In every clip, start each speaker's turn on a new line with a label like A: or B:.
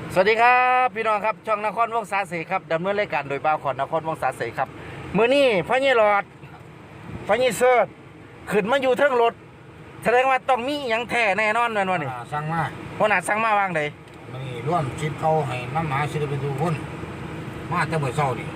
A: สวัสดีครับพี่น้องครับช่องนครวงศาเสครับดำเนินรายการโดยบ่าวขอนนครวงศาเสครับมื้อนี้พระยี่หลอดพระยี่เสิร์ชขึ้นมาอยู่เทิงรถแสดงว่าต้องมีอย่างแท้แน่นอนแน่นอนนี่
B: สั่งมา
A: หัวหน้าสั่งมาวางใด
B: มันนี่ร่วมชิปเขาให้น้ำหมาศิลปินทุกคนมาแต่เมื่อเช้านี่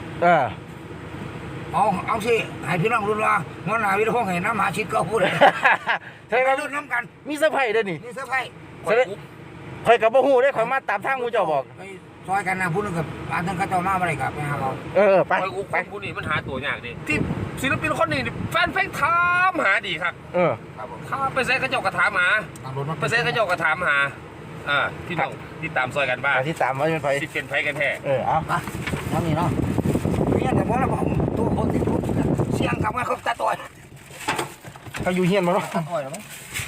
B: เอาสิให้พี่น้องรู้ว่าหัวหน้าวิทย์ห้องให้น้ำหมาชิปเขาพูดเลย
A: ใช่ไหม
B: รุ่นน้ำกัน
A: มีเซอร์ไพรส์ด้วยนี่
B: นี่เซอร์ไพรส์
A: ข่อยกับบ่ฮู้ได้ข่อยมาตามทางกูเจ้าบอก
B: ไปซอยกันนะพูดกับอาจารย์เขาเจ้ามาอะไรกับไปหาเรา
A: ไป
C: ผู้นี้มันหาตัวยากดิที่ศิลปินคนนี้แฟนเพลงถามหาดีครับถ้าไปเซ็ตกระจกกระถามหาไปเซ็ตกระจกกระถามหาพี่น้องที่ตามซอยกันบ้าง
A: ที่ตามว่าเป็นไผ
C: ที่เป็นไผกันแท้
A: เอา
B: น้ำนี่เนาะเนี่ยแต่บอกแล้วผมตัวคนติดพูดเสียงกับว่าเขาตาต่อย
A: เขาอยู่เฮียนมาเนาะ
B: ตาต่อยหรือไม่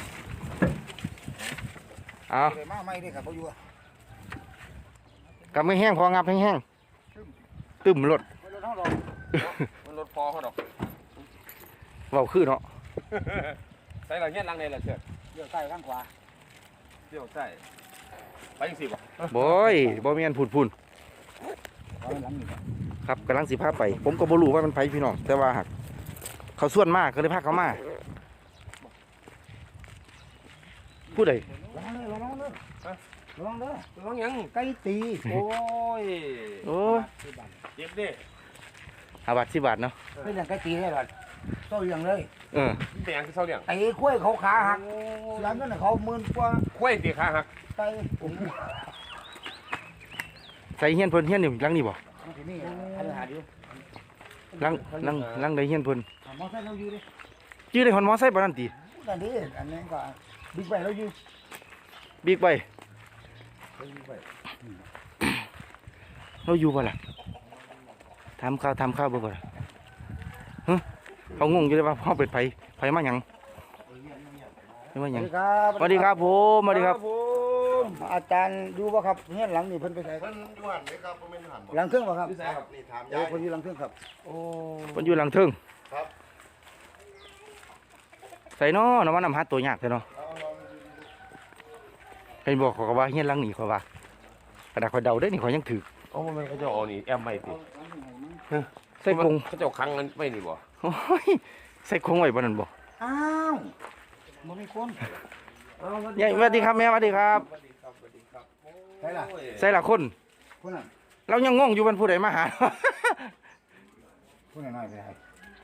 A: เอา
B: มาไม่ได้ครับเขาอยู่
A: กับไม่แห้งพองับแห้งตึมรถ
C: มันรถพอเขาดอก
A: เบาขึ้นเนาะ
C: ใส่หลังเงี้ยหลังในละเชือก
B: เลี้ยวใต้ข้างขวา
C: เลี้ยวใส่ไปยังสิบ่
A: บ่มีอันพูนครับกำลังสิพาไปผมก็บ่รู้ว่ามันไผพี่น้องแต่ว่าหักเขาส่วนมากก็เลยพาเขามาผู้ใด
B: ระวังเด้อ
C: ยัง
B: ไก่ตี
C: โอ้ยเจ็บดิ
A: 10 บาทเนาะ
B: เป็นอย่างไก่ตีได้หรอเท่าอย่างเลย
C: เป็นอย่างที่เท่าอย่าง
B: ไอ้คุ้ยเขาขาหักแล้วนั่นเขา10,000 กว่า
C: คุ้ยตีขาหัก
B: ไก่
A: ใส่เฮียนเพิ่นเฮียนอยู่หลังนี่บ่
B: นี่อันหาดิ
A: หลังใดเฮียนเพิ่น
B: มอไซค์เราอยู่ดิ
A: ชื่อได้ฮอนมอไซค์บ่นั่นติ
B: นั่นดิอันนี้ก็บิ๊กไบค์เราอยู่
A: บิ๊กไบค์เราอยู่บ่ล่ะทำข้าวบ่ล่ะเขางงอยู่เลยว่าพ่อเป็นไผมาหยังสวัสดีครับผมสวัสดีครับ
B: อาจารย์ดูป่ะครับเนี่ยหลังนี่เพิ่นไปใส่
D: เพิ่นอยู่หันไหมครับเพิ่นเป็นหัน
B: หลังเครื่องป่ะครับ
D: นี่ถามยาย
B: เพิ่นอยู่หลังเครื่องครับ
A: โอ้เพิ่นอยู่หลังเครื่อง
D: ครับ
A: ใส่น้อมันนำหาตัวยากใช่เนาะเป็นบอกเขาว่าเฮียนหลังนี่เขาว่ากระดาษเขาเดาได้นี่เขายังถือ
C: มันเขาจะเอานี่แอมไม่ติ
A: ใส่คง
C: เขาจะเอาครั้งนั้นไม่นี่บ่
A: ใส่คงไว้บนนั้นบ่
B: อ้าวบ่มีคน
A: ยายสวัสดีครับแม่สวัสดีครับใส่ละคนเรายังงงอยู่มันผู้ใดมาหา
B: ผู้ใดน้อยไปให้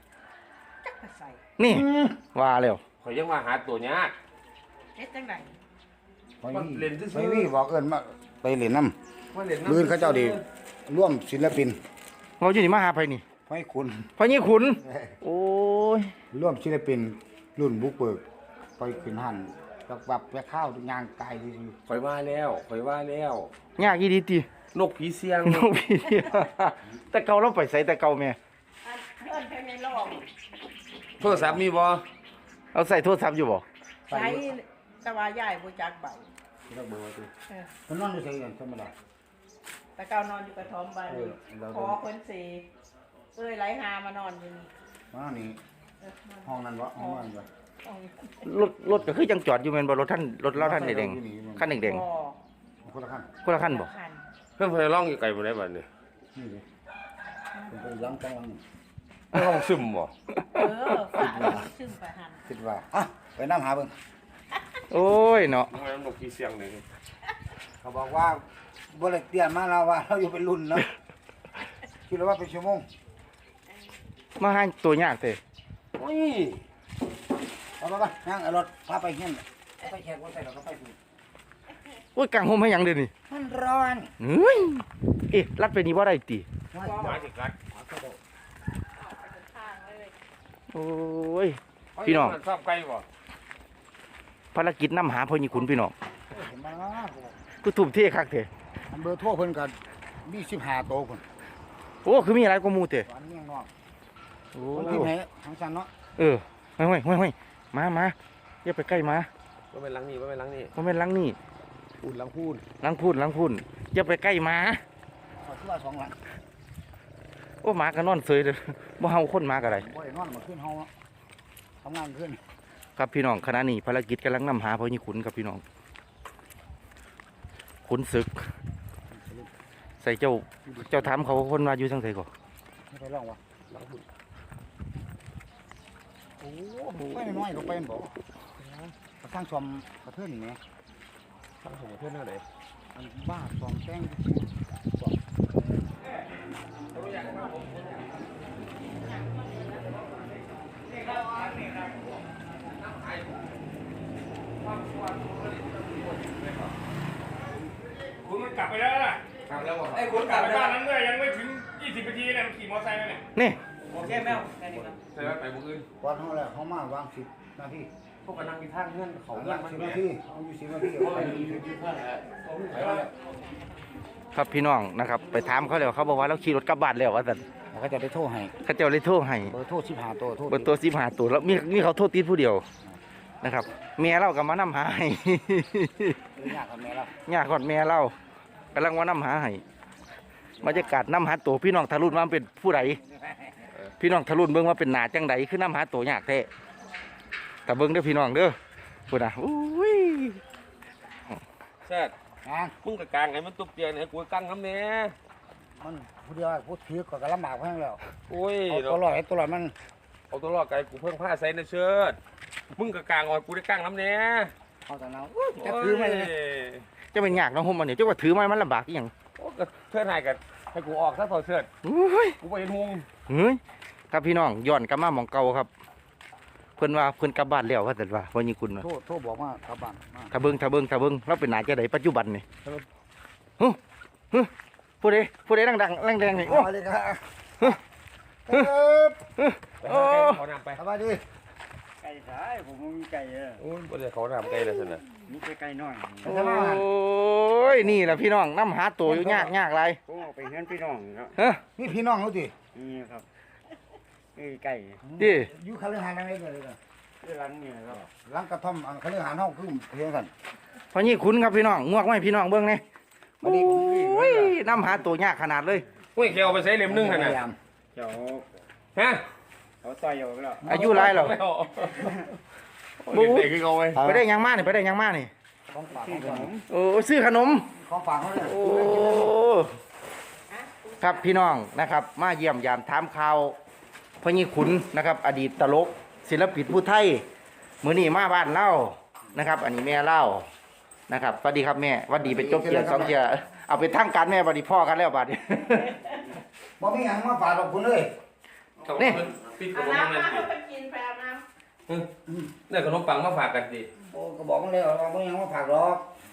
A: นี่ว่าแล้ว
C: ข่อยยังมาหาตัวยาก
E: เฮ็ดจังได๋
B: ไม่มีบอกเอิ้นมาไปเล่นน้ำมื้อเขาเจ้าดีร่วมศิลปิน
A: เราอยู่นี่มาหาไผนี่
B: ไผคุณ
A: ไผนี่คุณโอ้ย
B: ร่วมศิลปินรุ่นบุกเบิกไปขึ้นหันแบบไปข้าวย่างไก่
C: ข่อยว่าแล้ว
A: ยากอีดีติ
C: นกผีเสียง
A: แต่เก่าเราไปใส่แต่เก่าแม่
E: เดินไปในโลก
C: โทรศัพท์มีบ่
A: เอาใส่โทรศัพท์อยู่บ่
E: ใช้ตะวายายบ่จักใบ
B: จักเบอร์ติมันนอนอยู่ไสกันธรรมดา
E: แต่เก่านอนอยู่กระท่อมบ้านนี้ขอเพิ่นสิไหลหามานอนอยู่นี่
B: นี่ห้องนั้นบ่ห้องนั้นบ่
A: รถก็คือยังจอดอยู่แม่นบ่รถเราท่านแดงคันแดง
B: คนละ
A: คันบ่
C: เพิ่นไปร้องอยู่ไกลบ่ได้บัดนี้
B: นี่ดิเพิ่นไปล้างกลาง
C: ร้องซึมบ่
E: ฝาซึมไปหั่น
B: คิดว่าไปน้ำหาเบิ่ง
A: โอ้ยเนาะ
C: นกผีเสียงนี่
B: เขาบอกว่าบ่ได้เตรียมมาแล้วว่าเราอยู่เป็นรุ่นเนาะคิดว่าเป็นชั่วโมง
A: มาหาตัวยากเด้
C: โอ้ย
B: ไปย่างรถพาไปเฮียนไปแขกว่าใส่เราก็ไปสิ
A: โอ้ยกางห่มให้หยังเด้นี่
B: มันร้อน
A: เฮ้ยรัดไปนี่บ่ได้ติ
C: มาสิกัด
A: โอ้ยพี่น้อง
C: ชอบไก่บ่
A: ภารกิจนำหาพ่อนี่ขุนพี่น้องกูทุ่มเทคักเด้
B: เบอร์โทรเพิ่นก็มี15โตพุ่น
A: โอ้คือมีหลายกว่าหมู่เด้
B: อันนี้นอกโอ้ที่ไหนทางซันเนาะ
A: ห้ยมาอย่าไปใกล้มา
C: บ่แม่นหลังนี้
A: บ่แม่นหลังนี่
B: หลัง
A: พูนอย่าไปใกล้มา
B: คือว่า2หลัง
A: โอ้หมาก็นอนเฉยเด้อบ่เฮาคนมาก็ได้
B: บ่ได้นอนมาขึ้นเฮาทำงานขึ้น
A: ครับพี่น้องขณะนี้ภารกิจกำลังนำหาพ่อนี่ขุนครับพี่น้องขุนศึกใส่เจ้าถามเขาคนมาอยู่ทางไสก่อน
B: ไม่ไปลองวะโอ้ไม่น้อยลงไปมันบอกกระทั่งชมกระเทือนนี่ไง
C: ทั้งผมเพื่อนเท่าไหร่
B: มันบ้าสองแป้ง
F: คุณมันกลับไปแล้วล่ะ
C: ครับแล้วบอก
F: ไอ้คุณกลับไปบ้านนั้นด้วยยังไม่ถึง20 นาทีเนี่ยมันขี่มอเตอร์ไซค์มาเนี่ย
A: นี่
F: โอเคแมวแค่นี้ครับ
C: ใช่ไหมไปบุกอื่น
B: วันเขาแล้วเขามาวาง10 นาที
C: พวกกันนั่งที่ทางเงื่อนเขา
B: เขา
C: เงื่อน
B: ละ
C: มัน
B: 10
C: เนี่
B: นาย ทีเอาอยู่10 นาทีเอาไป
A: ครับพี่น้องนะครับ ไปถามเขาแล้วเขาบอกว่าเราขี่รถกลับบ้านแล้วว่าซั่น
B: เขาจะได้โทรให้
A: เขาเจ้าเลยโทรให้
B: เบอร์โทร15ตัวโทร
A: เบนตัว15ตัวแล้วมีเขาโทษติดผู้เดียวนะครับเมียเราก็มานํหาให้
B: ยากกับแม่แล้ว
A: ยากกอดเมียเรากำลังมานํหาให้บรรยากาศนํหาตัวพี่น้องทะลุมาเป็นผู้ใดพี่น้องทะลุเบิ่งว่าเป็นหนาจังใดคือนํหาตัวยากแท้แต่เบิ่งเด้อพี่น้องเด้อพุ่นน่ะอุ้ย
C: เชิด
B: งาน
C: มึงกับกลางไงมันตุบเตียงเนี่ยกูกลางน้ำเนี่ย
B: มันผู้เดียวผู้ถือก็ลำบากเพิ่งแล้ว
C: โอ้ย
B: เอาตัวลอยมัน
C: เอาตัวรอดไกลกูเพิ่งผ้าใส่นะเชิดมึงกับกลางอ่อนกูได้กลางน้ำเนี่ย
B: เอาแต่เราจะถือไหมเลย
A: จะเป็นยากเนาะห่มมันนี่จะว่าถือไม้มันลำบากอีหยัง
C: โอ้ก็เชิดหายกันให้กูออกซะต่อเชิด
A: อุ้ย
C: กูไปเห็นหง
A: เฮ้ยครับพี่น้องย้อนกลับมาหมองเก่าครับ เพิ่นว่าเพิ่นกลับบ้านแล้วว่าแต่ว่าวันนี้คุณว่า
B: โทรบอกว่ากลับบ้านมา
A: ถ้าเบิ่งเราเป็นหนาจะไดปัจจุบันนี่ฮึผู้ใดดังๆแรงๆนี่โอ้
B: มาเลยครับ
C: เขานำไป
B: สบายดี
G: ไก่สายผมมีไก่เออ
C: โอ้ยบ่ได้เขานำไกลเลยสินะ
G: มีแต่ไก่น้อย
A: โอ้ยนี่แหละพี่น้องน้ำหาตัวอยู่ยากไร
G: ผมเอาไปเฮือนพี่น้องครับ
A: เฮ้ย
B: นี่พี่น้องเขาดิ
G: นี่ครับนี่ไก่
A: ดิ
B: อยู่คาลือหาอะไรเลย
G: ที่ร้านนี่ครับ
B: หลังกระท่อมคาลือหาห้องคือเพียงกัน
A: พอนี่คุณครับพี่น้องงวกไว้พี่น้องเบิ่งนี่
B: วันนี้
A: โอ้ยน้ำหาตัวยากขนาดเลย
C: เฮ้ยแกเอาไปใส่เล่มนึงขนาด
G: เดี๋ยว
C: ฮะ
G: เขาต่อยอยู่แล้ว
A: อายุไรหรอ
C: ไม่เอาโอ้ยเด็กๆคือเอาไว้
A: ไปได้ยังมานี่ไปได้ยังมานี่
B: ของฝาก
G: ที่ขนม
A: โอ้ซื้อขนม
B: ของฝากเขาเลย
A: โอ้ครับพี่น้องนะครับ มาเยี่ยมยามถามข่าวพญขุนนะครับ อดีตตลกศิลปินผู้ไทยมื้อนี้มาบ้านเล่านะครับ อันนี้แม่เล่านะครับสวัสดีครับแม่สวัสดีเป็นจบเกียร์2เกียร์เอาไปทางการแม่บัดนี้พ่อกันแล้วบัดนี้
B: บ่มีหยังมาฝากหรอกคุณเลย
A: นี่
C: ปิดข
E: เอา
C: นม
E: น้ำ
C: นั่น
E: มา
C: สิ
E: ให้ไปกินไปเอาน้
C: เนี่ยขนมปังมาฝากกันดิ
B: โอ้ก็บอกมันเลยว่าบ่มีหยังมาฝากหรอก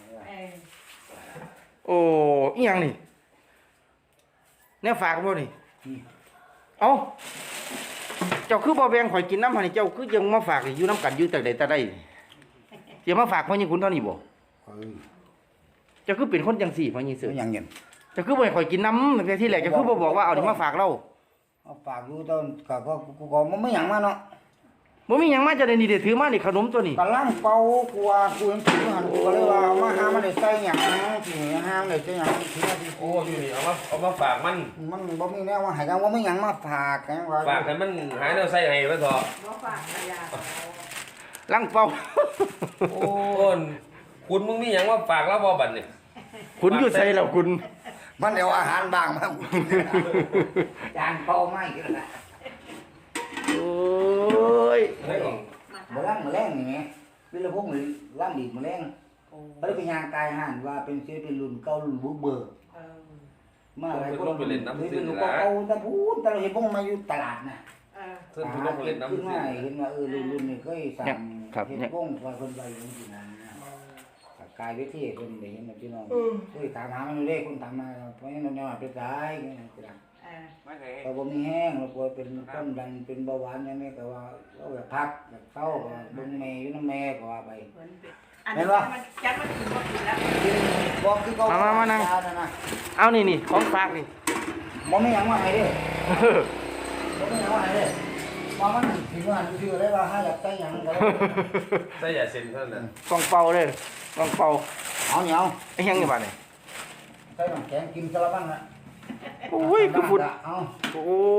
E: ำ
A: โอ้อีหยังนี่แนี่ฝากบ่นี่เอ้าเจ้าคือบ่แบ่งข่อยกินน้ำหั่นนี่เจ้าคือยังมาฝากอยู่น้ำกันอยู่แต่ใดแต่ใดสิมาฝากพญขุนเท่านี้บ่
B: เฮ้ย
A: เจ้าคือเป็นคนจังสี่พญเสือ
B: เป็นหยังเย็น
A: เจ้าคือบ่ให้ข่อยกินน้ำตั้งแต่ที่แรกเจ้าคือบ่บอกว่าเอานี่มาฝากเรา
B: เอาฝากอยู่ตอนก็กูก็บ่มีหยังมาเนาะ
A: บ่มีหยังมาจะได้นี่ได้ถือมานี่ขนมตัวนี้
B: กำลังเป่ากูว่ากูยังถือหันกูก็เลยว่ามาหามันได้ใส่หยังสิหามันได้ใส่หยังสิว่าสิ
C: โอ้อยู่นี่เอามาฝากมัน
B: มันบ่มีแนวว่าให้กันว่ามีหยังมาฝากกันว่า
C: ฝากให้มันหาแนวใส่ให้ไว้เถอะ
E: มาฝากขยะ
A: ลังเป่า
C: โอ้ยคุณมึงมีหยังมาฝากแล้วบ่บัดนี่
A: คุณอยู่ใส่แล้วคุณ
B: มันเอาอาหารบางมาจานเป่าไม้กันละ
A: โอ้ย
C: เฮ้ย
B: บ่ล้างแมลงนี่แหมวิรพงษ์นี่ล้างดีดแมลงบ่ได้เป็นยางกายห่านว่าเป็นศิลปินรุ่นเก่ารุ่นบุกเบิก
E: เออ
B: มาหลายคนเป็นลูกเก่าแต่พูดแต่เราเห็นพวกมาอยู่ตลาดน่ะ
E: เออ
C: เพิ่นผู้ลงเล่นน้ำ
B: ขึ้น
C: สิ
B: มาเห็นว่ารุ่นนี่เคยสั่งเห็นพวกคอยคนไปจริงๆนะกายวิธีคนได้เห็นพี่น้องเคยถามหามันเลยคนถามมาเพราะงั้นเราไปตาย
E: เออ
B: ก็บ่มีแห้งแล้วก็เป็นต้นดันเป็นเบาหวานอย่างนี้ก็ว่าเราแบบพักแบบเศร้าก็เบิ่งแม่อยู่น้ำแม่ก็ว่าไป
E: อันนี้มันจัดมันกินบ่กินแล้ว
B: บอกคือเขานะ
A: เอานี่ของฝากนี่
B: บ่มีหยังมาให้เด้บ่มีหยังมาให้เด้ว่ามันถึงว่าชื่อได้ว่าหาอยากได้หยังก็
C: ใส่อย่าเซ็นเท่านั้น
A: กองเป่าเลยกองเป่า
B: เอาเหนียว
A: ไอ้ยังนี่บัดนี่
B: ใส่น้ำแข็งกินสลับบ้างนะ
A: โอ้ยคือฝุ่น
B: เอา
A: โอ้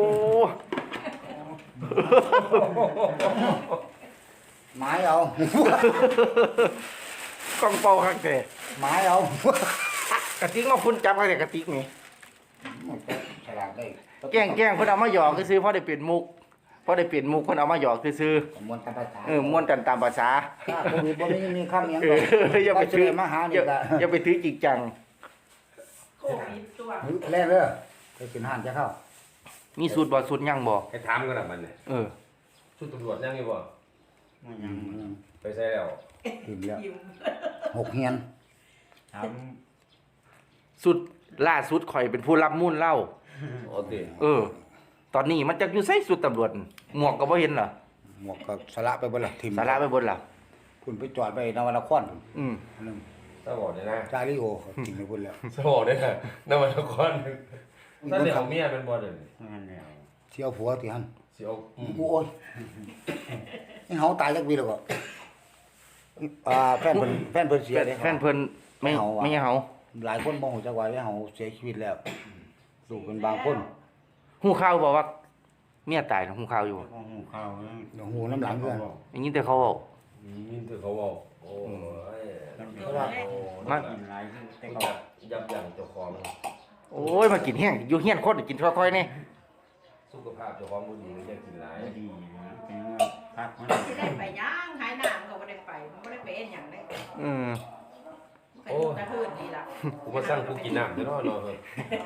B: หมายเอา
A: กองเป่าคักแต่
B: หมายเอา
A: กระติกมาคุณจับกันแต่กระติกนี่
B: ฉลาดได้
A: แกล้งเพิ่นเอามาหยอกซื่อๆเพราะได้เปลี่ยนมุกเพิ่นเอามาหยอกซื่อ
B: มวนตามภาษา
A: ม่วนกันตามภาษา
B: ถ้าโควิดบ่มีคำหยัง
A: อย่าไปถือ
B: มาหา
A: อ
B: นี่
A: ย่า
B: ก็
A: อย่าไปถือจริงจัง
E: โควิดตัว
B: แล่เด้อไปกินอาหารจะเข้า
A: มีสูตรบ่สูตรยังบ่
C: ให้ถามกันนะมันเนี่ย
A: เออ
C: ชุดตำรวจยังไงบ่
G: มันยัง
C: ไปใส่แล้ว
B: กินแล้ว
E: ยิ้ม
B: 6เฮียน
G: ท
A: สุดล่าสุดข่อยเป็นผู้รับมูลเล่า
C: โอเค
A: ตอนนี้มันจักอยู่ไสสุดตำรวจหมวกก็บ่เห็นเหรอ
B: หมวกก็สละไปเบิดละทิม
A: สาระไปบนล่ะ
B: คุณไปจอดไปนวนคร
A: อืม
B: อันนึง
C: ถ้าบอกเนี่ยนะ
B: จาริโอเขาทิ้งไปพุ่นแล้ว
C: ถ้าบอกเนี่ยนะนวันละครถ้าเดี๋ยวเมียเป็นบอลเด่น
G: ำนั่นแหละ
B: เที่ยวผัวที่หั่น
C: สิเอา
B: โอ้ยนี่เฮาตายจักปีแล้วก็แฟนเพิ่นเสียเด้
A: แฟนเพิ่นไม่
B: ไม่เอาว่ะ
A: ไม่ให้เฮา
B: หลายคนบ่ฮู้จักว่าเฮาเสียชีวิตแล้วลูกเป็นบางคน
A: ฮู้ข่าวบ่ว่าเมียตายนะฮู้ข่าวอยู่บ่
G: หูข้าว
B: หูน้ำหลังเพื่อน
A: ได้ยินแต่เขาเว้า
C: ยินถือเขาบอกโอ้ย
B: เพราะว่า
A: มัน
G: กินหลายแต่
C: ยั
G: ก็
C: บยับยั้งเจ้าของ
A: โอ้ยมากินแห้งอยู่เฮียนคนกินค่อยๆนี่
C: สุขภาพเจ้าของบ่ดีก็จะกินหลาย
G: ไม่ดีนะเป็นว่าพักมัน
E: สิได้ไปย่างหายหน้ามันก็บ่ได้ไปมันบ่ได้ไปเอ็นหยังได้
A: อืม
E: มันก็อยู่กระทืนนี่ล่ะ
C: กูมาสั่งกูกินน้ำเดี๋ยวรอเฮ้ย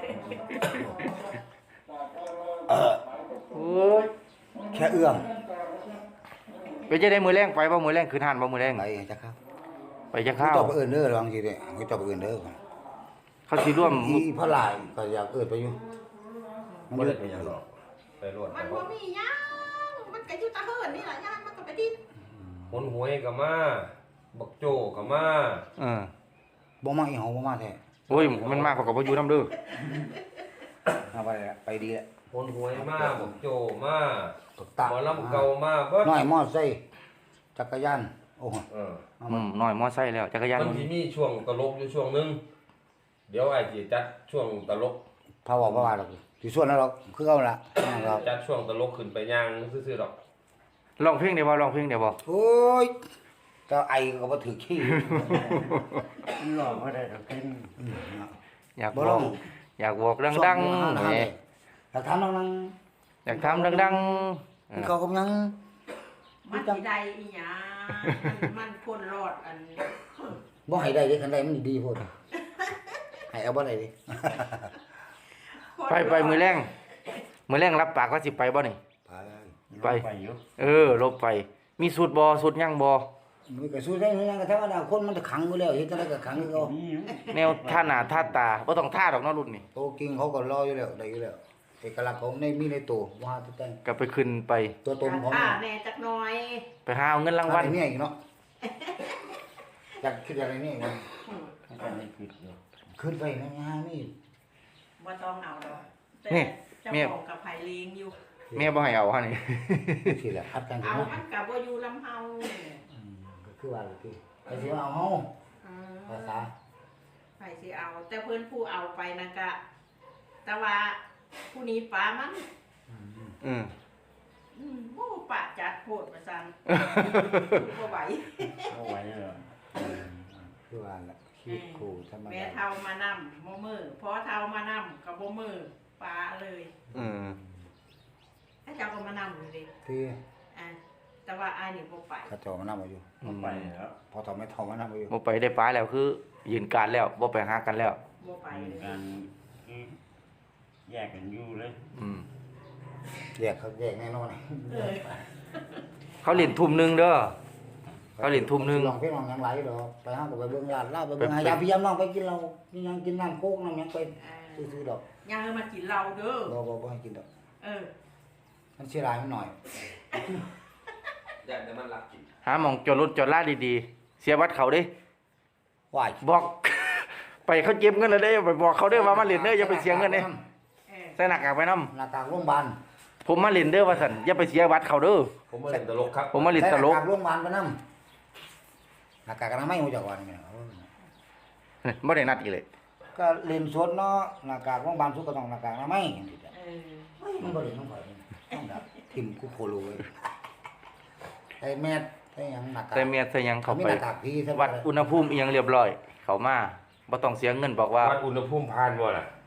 A: โอ้ย
B: แค่เอื้อม
A: ไปจะได้มือแรงไปบ่มือแรงคืนหันบ่มือแรง
B: ไปจักครับ
A: ไปจะ
B: เขา
A: ข้าว
B: ตอบเอิ้นเด้อลองสิเด้เขาตอบเอิ้นเด้อ
A: เขาสิร่วม
B: อีพระหลายก็อยากเอิ้นไปอยู่
C: บ่ได้ไปหยังหรอกไปรวด
E: มันบ่มีหยังมันก็อยู่ตะเฮินนี่ล่ะย่างมันก็ไปดิ้น
C: หนหวยก็มาบักโจก็มา
B: บ่มาอีเฮาบ่มาแท้
A: โอ้ยมันมากกว่ากับบ่อยู่นํเด้อ
B: เอาไปแล้วไปดีแล้ว
C: หนหวยมาบักโจมา
B: ตกตา
C: หมอลำเก่ามาเบิด
B: น้อยมอไซค์จักรยานโอ้โห
A: น้อยมอไซค์แล้วจักรยาน
C: มันสิมีช่วงตลกอยู่ช่วงหนึงเดี๋ยวไอ้สิจัดช่วงตลก
B: พาบอกว่าดอกสิส่วนนั้นหรอกคือเอาล่ะครับ
C: จัดช่วงตลกขึ้นไปย่างซื่อๆดอก
A: ร้องเพลงได้บ่ร้องเพลงได้บ่
B: โอ้ยก็ไอก็บ่ถือขี้
G: หลอกก็ได้ดอกเป็น
A: อยาก
B: บ่
A: บ
B: ร้
A: อ
B: อก ง
A: อยากบอกดังๆแหม
B: อยากถามน้อง
A: อยากทำดัง
B: ๆเขาก็ยัง
E: มันสิได้อีหยังมันพ้นรอดอัน
B: บ่ให้ได้เด้คันใดมันดีโพดให้เอาบ่ได้ดิ
A: ๆไปมือแรงรับปากว่าสิไปบ่นี่
B: ไป
A: ไป
G: อยู่
A: ลบไป มีสูตรบ่สูตรยังบ่
B: มันก็สู้ได้เหมือนกันก็ธรรมดาคนมันจะขังอยู่แล้วเฮ็ดจังได๋ก็ขังคือเขา
G: นี่
A: แนวท่าหน้าท่าตาบ่ต้องท่าดอกเนาะรุ่นนี้
B: โตกิงเขาก็รออยู่แล้วได้อยู่แล้วเอกลักษณ์ของในมีในตัวว่าแต่ง
A: ก็ไปขึ้นไป
B: ตัวตนของ
E: ค่าแน่จักหน่อย
A: ไปหาเอาเงินรางวัล
B: เนี่ยอีกเนาะอยากคิดอะไรนี่มัน
G: ก็ไม่ผิดอยู่
B: ขึ้นไปนะฮะนี่
E: บ่ต้องเอาดอกแต่
A: นี่
E: เจ้า
A: แม่
E: ของกับไผเลี้ยงอยู่
A: แม่บ่ให้เอาฮะนี่
B: สิแหละคัดกัน
E: เอา
B: เนาะ
E: มันก็บ่อยู่ลำเฮา
B: ก็คือว่าคือไอ้สิว่าเอาเฮาภาษา
E: ไผสิเอา แต่เพิ่นผู้เอาไปนั่นก็แต่ว่าผู้นี้ป้ามัน
A: อืม
E: โอ้ปะจัดโพดว่าซั่นบ่ไหว
G: เอาไว้เลย
B: คือว่าละชีวิตครูธรรม
E: แม่
B: ดา
E: เฒ่ามานำบ่มือพอเฒ่ามานำก็บ่มือป้าเลย
A: อืม
E: ถ้าเจ้าก็มานำอยู่ดิ
B: ที่
E: อ่ะแต่ว่าอ้ายนี่บ่ไป
B: เขาเจ้ามานำมาอยู่
G: ไปแล้ว
B: พอทำไม่ทอมานำมาอยู่
A: บ่ไปได้ป้าแล้วคือยืนการแล้วบ่ไปหากันแล้ว
E: บ่ไป
G: ไป
E: เลย
G: กันแยกกันอยู่เลย
A: อืม
B: แยกเขาแยกแน่นอน
E: เออ
A: เขาเล่นทุ่มหนึงเด้อ เขาเล่นทุ่มหนึ่ง
B: ลองเพลงลองหยังไหลดอกไปหาก็ไปเบิ่งลาดลาดไปเบิ่งหายาพี่ยามน้องไปกินเรานี่ยังกินน้ำโคกน้ำหยังไปซื้อๆดอก
E: ยังมากินเหล้าเด้อ
B: บ่ให้กินดอก
E: เออ
B: มันเสียดายมันหน่อย
C: อยากแต่มันรักกิน
A: หาหม่องจอดรถจอดลาดีๆ เสียบัตรเขาเด้
B: ว่าย
A: บอก ไปเขาเก็บเงินแล้วเด้ไปบอกเขาเด้อว่ามาเล่นเด้ออย่าไปเสียเงินเด้
E: เออ
A: ใส่หน้ากากไปนํ
B: หน้ากากโรงพยาบาล
A: ผมมาเล่นเด้อว่าซั่นอย่าไปเสียบัตรเขาเด้อ
C: ผมมาเล่นตลกครับ
A: ผมมาเล่นตลก
B: ใส่หน้ากากโรงพยาบาลไปนำหน้ากากอนามัยฮู้จักว่านี่แม่น
A: บ่ได้นัดอีกเลย
B: ก็เล่นสดเนาะหน้ากากโรงพยาบาลสุดก็ต้องหน้ากากอนามัยจังซี่จ้ะ
E: เออ
B: มันบ่ได้น้องข่อยต้องดับทิ่มกูโคโลเลยไอ้แมสไอ้หยังหน้ากาก
A: แต่เมียใส่หยังเข้า
B: มี
A: ไป
B: หน้ากากพี่ซะ
A: วัดอุณหภูมิอีหยังเรียบร้อย เข้ามาบ่ต้องเสียเงินบอกว่า
C: วัดอุณหภูมิผ่านบ่ล่ะ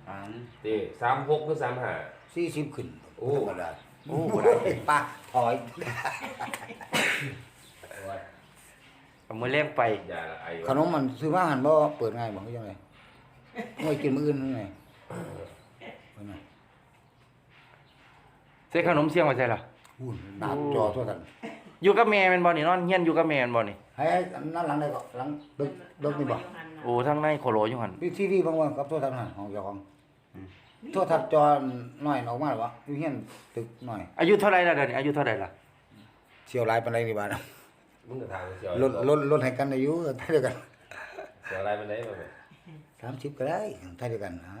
G: ฐาน
C: ตี36หรือ35
B: 40ขึ้น
C: โอ้
B: ธรรมดาโอ้บ่ได้ปะถอย
A: เอามือเลี้ยงไป
C: ยาละไอ
B: ขนมมันซื้อมาหันบ่เปิดง่ายบ่คือจังได๋ไม่กินมื้ออื่นจังได๋เพิ่นน่ะ
A: ใส่ขนมเสียงไว้ใส่ล่ะ
B: หุ่นดาบจอทั่วกัน
A: อยู่กับแม่แม่นบ่นี่นอนเฮียนอยู่กับแม่แม่นบ่นี่
B: ให้นั่นหลังได้ก็หลังดึกนี่บ่
A: โอ้ทางในโคโลอยู่หั่น
B: ทีวีบางวันกับโทรทัศน์หันของเจ้าของโทรทัศน์จอน้อยออกมาหรอวะอยู่เฮียนตึกน้อย
A: อายุเท่าไหร่ล่ะเดี๋ยวนี้อายุเท่าไหร่ล่ะ
B: เสี่ยวหลายปานใดนี่บาด
C: มึงก็ทางเสียว
B: ลดให้กันอายุเท่าเดียวกัน
C: เสียวอะไรมันได้บ่แม่
B: 30ก็ได้เท่าเดียวกันฮะ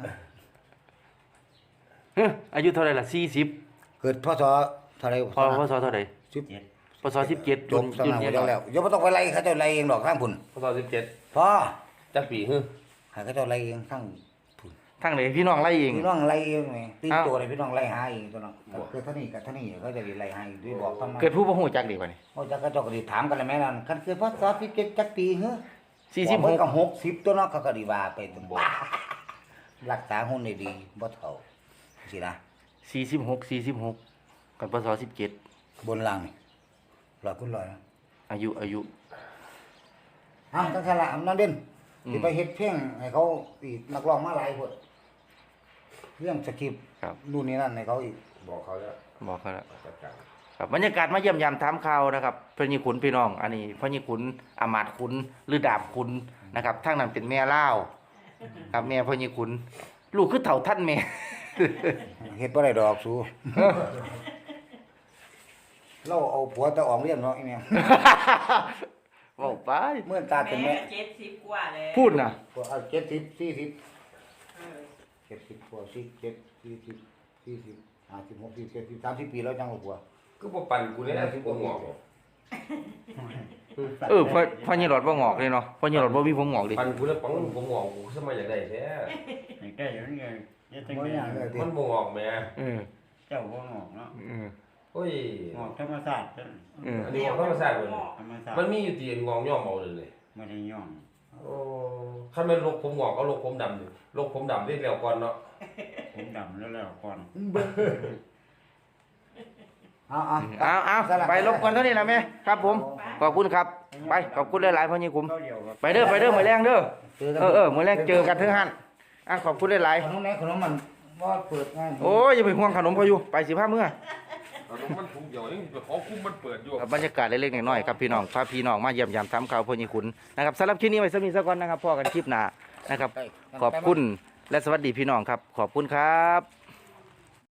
A: เฮ้ยอายุเท่าไหร่ล่ะ40
B: เกิดพศเท่าไหร่
A: พศเท่าไหร่
B: 10
A: พศ17
B: จบสนามแล้วแล้วอย่าบ่ต้องไปไล่เขาเจ้าไล่เองดอกข้างพุ่น
C: พศ17
B: พอ
C: จักปีฮึ
B: ให้เขาเจ้าไล่เองข้างพุ่น
A: ทางไหนพี่น้องไล่เอง
B: พี่น้องไล่เองไงตี
A: อ้าว
B: ตัวเลยพี่น้องไล่หาเองตัวน้องเกิดเท่านี้กับเท่านี้เขาจะไล่หาด้วยบอกทำไม
A: เกิดผู้บ่ฮู้จักดีกว่านี่
B: เขาจะก็เจ้าก็ดิถามกันเลยแม่นั่นคันเกิดพศ17จักปีเหรอ
A: 46
B: ก็60ตัวเนาะเขาก็ดีว่าไปตัวบ่รักษาหุ่นได้ดีบ่เฒ่าสินะ
A: 46กับพศ17
B: บนล่างนี่ร้อยคุณร้อยนะ
A: อายุ
B: จังซั่นล่ะนั่นเด่นสิไปเฮ็ดเพลงให้เขาอีกนักร้องมาหลายคนเรื่องสคริปต์
A: ครับ
B: นู่นนี่นั่นให้เขาอีก
C: บอกเขาแล้ว
A: บอกเขาแล้ว
C: จัดการ
A: ครับบรรยากาศมาเยี่ยมยามถามข่าวนะครับพญขุนพี่น้อง อันนี้พญขุนอามาตย์ขุนหรือดาบขุนนะครับทางนั้นเป็นแม่ล่าวครับแม่พญขุนลูกคือเฒ่าท่านแม่
B: เฮ็ดบ่ได้ดอกสูเราเอาผัวตะอองเรียนเนาะอีแม่
A: เว้าไป
B: เมื่อตาเป็นแม่
E: 70กว่าแล้ว
A: พูดน่ะ
B: ก็เอา70 40
E: เออ
B: 70กว่า47 40 40 50 60 70 30ปีแล้วจังเอาผัว
C: ก็บ่ปั่นกูเนี่ยกูงอก
A: พ่อนี่หลอดบ่งอกเลยเนาะพ่อนี่หลอดบ่มีผมงอกดิ
C: ปั่นกูแล้วปังกูงอกกูสมัยอยากได้แท้
G: อย่างแก่อย่างนี้ยังตั้ง
B: บ่
G: แต่
B: อย่างเลยติ
C: มันบ่งอกแม่
A: เออ
G: เจ้าก็งอกเนาะ
A: เออ
C: โอ้ย
G: งอกธรรมศาสตร์
A: เออ
C: อันนี้งอกธรรมชาติเบิด
G: ธรรมศาสต
C: มัน
G: ร์
C: มีอยู่ที่งอกย่อมเอาเลย
G: ไม่ได้ย่อง
C: โอ้คันแม่นลกผมงอกเอาลกผมดำนี่ลกผมดำได้แล้วก่อนเนาะ
G: ผมดำแล้วก่อน
B: เอา
A: ไปรบกวนเท่านี้ล่ะแม่ครับผมขอบคุณครับไปขอบคุณหลายๆพ่อนี่ขุน
G: ก็เดียวกับ
A: ไปเด้อมื้อแรงเด้อมื้อแรงเจอกันเถิงหั่นขอบคุณหลาย
B: ขนมไหนขนมมันบ่เปิดง่าย
A: ๆโอ้ยอย่าไปห่วงขนมพออยู่ไปสิพามื้อ
C: มันถุงเดียวยังไปขอคุมมันเปิดอยู่
A: บรรยากาศเล็กๆน้อยๆครับพี่น้องพาพี่น้องมาเยี่ยมยามถามข่าวพ่อนี่ขุนนะครับสำหรับคลิปนี้ไว้สักนิดสักก่อนนะครับพอกันคลิปหน้านะครับขอบคุณและสวัสดีพี่น้องครับขอบคุณครับ